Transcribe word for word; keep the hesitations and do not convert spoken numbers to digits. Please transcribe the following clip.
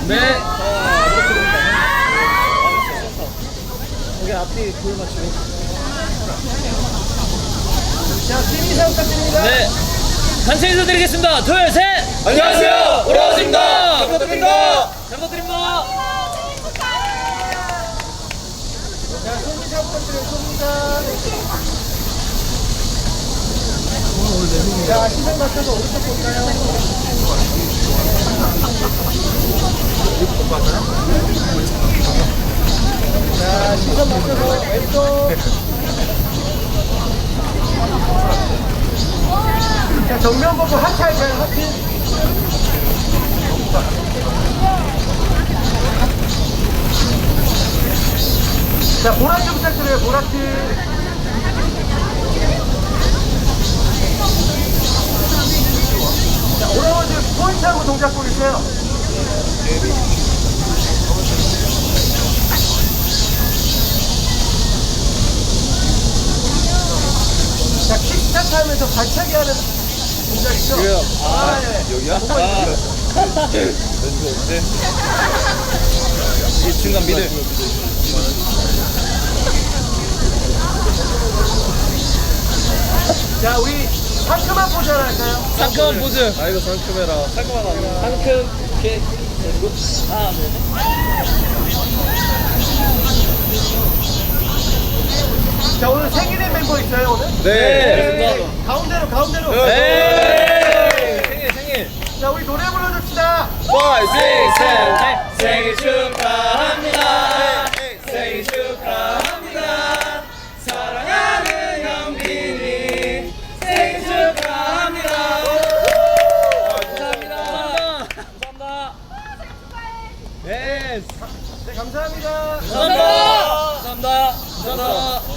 네. 자, 이렇게 됩니다. 여기 앞뒤 골 맞추고. 자, 팀 인사 부탁드립니다. 네. 단체 인사드리겠습니다. 둘, 셋. 안녕하세요. 오라버즈입니다. 잘 부탁드립니다. 잘 부탁드립니다. 자, 손인사 부탁드려요. 손인사. 자, 시선 맞춰서 오른쪽 볼까요? 자, 시선 맞춰서 왼쪽. 자, 정면 보고 하트 할까요? 하트. 자, 보라트 부탁드려요. 보라트. 자, 오라버즈 포인트하고 동작 보여주세요. 자, 킥스타트 하면서 발차기 하는 동작 있죠? 여기요. 아, 네. 여기야? 뭐가 있어요? 왼쪽 어때? 이 중간 미들. 자, 우리 상큼한 포즈 하나 할까요? 상큼한 포즈. 아이고 상큼해라. 상큼하다. 상큼. 오케이. 하나, 둘, 셋. 자, 오늘 생일의 멤버 있어요, 오늘? 네. 네. 가운데로, 가운데로. 네. 생일, 생일. 자, 우리 노래 불러줍시다. 파이브, 식스, 세븐, 생일 축하합니다. 생일 축하합니다. 사랑하는 현빈이 생일 축하합니다. 감사합니다. 감사합니다. 네. 네, 감사합니다. 감사합니다. 감사합니다. 감사합니다.